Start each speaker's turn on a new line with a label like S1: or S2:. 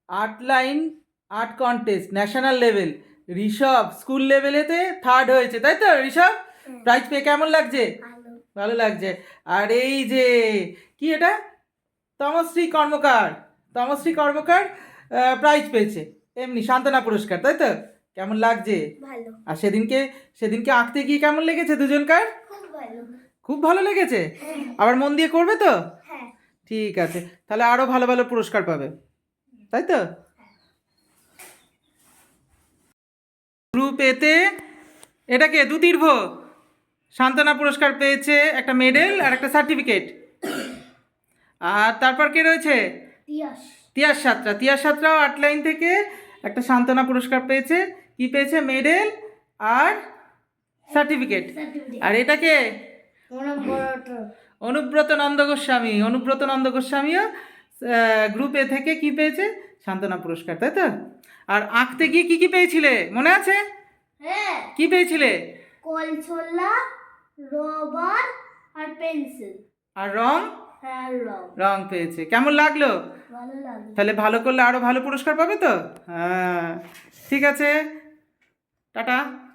S1: Art line art contest national level, Rishabh school লেভেলেতে third হয়েছে, তাই তো ঋষভ? প্রাইজ পেয়ে কেমন লাগছে? ভালো লাগছে। আর এই যে কি এটা, তমশ্রী কর্মকার, তমশ্রী কর্মকার প্রাইজ পেয়েছে এমনি সান্ত্বনা পুরস্কার, তাই তো? কেমন লাগছে?
S2: ভালো।
S1: আর সেদিনকে সেদিনকে আঁকতে গিয়ে কেমন লেগেছে দুজনকার?
S2: খুব ভালো।
S1: খুব ভালো লেগেছে? আবার মন দিয়ে করবে তো?
S2: হ্যাঁ।
S1: ঠিক আছে, তাহলে আরো ভালো ভালো পুরস্কার পাবে, তাই তো? গ্রুপ এতে এটাকে দুতীর্ভ সান্ত্বনা পুরস্কার পেয়েছে, একটা মেডেল আর একটা সার্টিফিকেট। আর তারপর কে রয়েছে? তিয়াস সাঁতরা, তিয়াস সাঁতরাও আর্ট লাইন থেকে একটা সান্ত্বনা পুরস্কার পেয়েছে। কি পেয়েছে? মেডেল আর সার্টিফিকেট। আর এটাকে অনুব্রত নন্দ গোস্বামী, অনুব্রত নন্দ গোস্বামীও গ্রুপ এ থেকে কি পেয়েছে? সান্ত্বনা পুরস্কার, তাই তো? আর আঁকতে গিয়ে কি কি পেয়েছিলে মনে আছে?
S2: হ্যাঁ।
S1: কি পেয়েছিলে?
S2: কলছোলা, রবার আর পেন্সিল।
S1: আর রং?
S2: হ্যাঁ,
S1: রং পেয়েছে। কেমন লাগলো?
S2: ভালো লাগলো।
S1: তাহলে ভালো করলে আরো ভালো পুরস্কার পাবে তো? হ্যাঁ, ঠিক আছে, টাটা।